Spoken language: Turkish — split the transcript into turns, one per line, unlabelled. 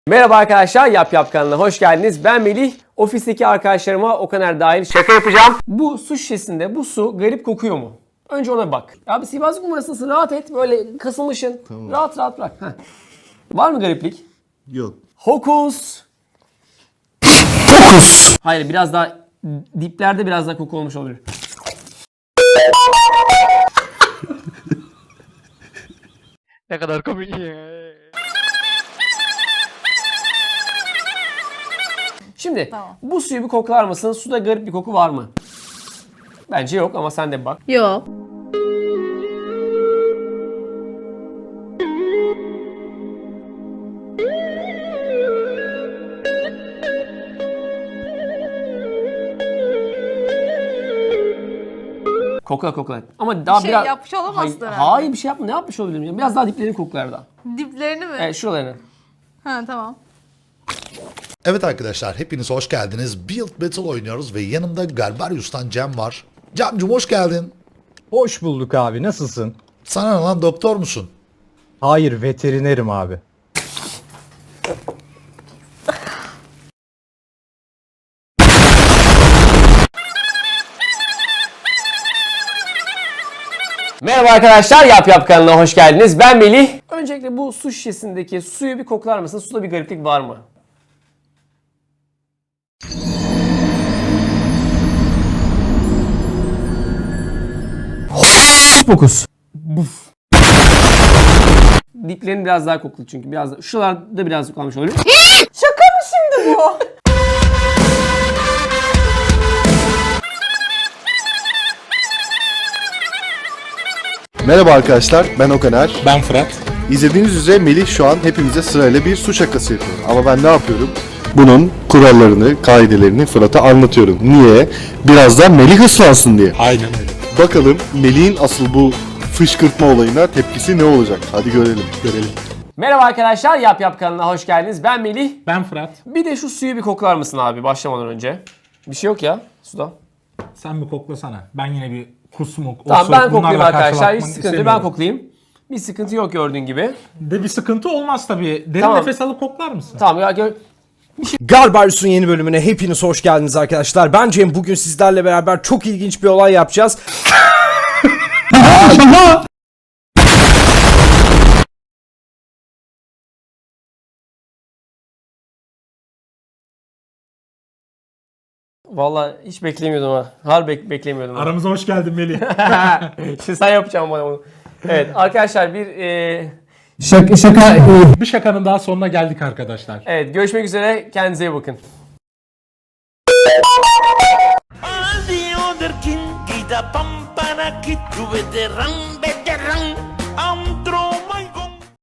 Merhaba arkadaşlar, Yap kanalına hoş geldiniz. Ben Melih. Ofisteki arkadaşlarıma Okaner dahil şaka yapacağım. Bu su şişesinde bu su garip kokuyor mu? Önce ona bak. Abi sihirbazlık numarasısın, rahat et. Böyle kasılmışsın. Tamam. Rahat rahat bırak. Heh. Var mı gariplik?
Yok.
Hokus. Hokus. Hayır, biraz daha diplerde biraz daha koku olmuş olabilir.
Ne kadar komik.
Şimdi
Tamam.
bu suyu bir koklar mısın? Suda garip bir koku var mı? Bence yok ama sen de bir bak.
Yok.
Kokla. Ama daha
şey
biraz...
yapmış olamazsın
Hayır,
herhalde.
hayır bir şey yapma. Ne yapmış olabilirim ya? Biraz daha diplerini koklar da.
Diplerini mi?
Evet, şuralarını.
Ha tamam.
Evet arkadaşlar hepiniz hoş geldiniz. Build Battle oynuyoruz ve yanımda Garbarius'tan Cem var. Cem'cim hoş geldin.
Hoş bulduk abi, nasılsın?
Sana ne lan, doktor musun?
Hayır, veterinerim abi.
Merhaba arkadaşlar, Yap kanalına hoş geldiniz. Ben Melih. Öncelikle bu su şişesindeki suyu bir koklar mısın? Suda bir gariplik var mı? Fokus. Buf. Diplerini biraz daha koklu çünkü biraz da şuralarda biraz kalmış olabilir.
Şaka mı şimdi bu?
Merhaba arkadaşlar, ben Okaner.
Ben Fırat.
İzlediğiniz üzere Melih şu an hepimize sırayla bir su şakası yapıyor. Ama ben ne yapıyorum? Bunun kurallarını, kaidelerini Fırat'a anlatıyorum. Niye? Birazdan Melih ıslansın diye.
Aynen öyle.
Bakalım Melih'in asıl bu fışkırtma olayına tepkisi ne olacak? Hadi görelim.
Merhaba arkadaşlar, Yap kanalına hoş geldiniz. Ben Melih.
Ben Fırat.
Bir de şu suyu bir koklar mısın abi başlamadan önce? Bir şey yok ya suda.
Sen bir koklasana. Ben yine bir kusmuk,
Tamam
osur,
ben koklayayım
bunlarla
arkadaşlar. Hiç
karşılaşmak
sıkıntı yok. Ben
istemiyorum.
koklayayım. Bir sıkıntı yok gördüğün gibi.
De bir sıkıntı olmaz tabii. Derin
Tamam.
nefes alıp koklar mısın?
Tamam ya
Garbarius'un yeni bölümüne hepiniz hoş geldiniz arkadaşlar. Ben Cem, bugün sizlerle beraber çok ilginç bir olay yapacağız.
Vallahi hiç beklemiyordum ha. Harbi beklemiyordum. Ha.
Aramıza hoş geldin Melih.
Şimdi sen yapacaksın bana bunu. Evet arkadaşlar bir
Bir şakanın daha sonuna geldik arkadaşlar.
evet görüşmek üzere. Kendinize iyi bakın.
All the other king, Gita Pampana, Kid, veteran, veteran.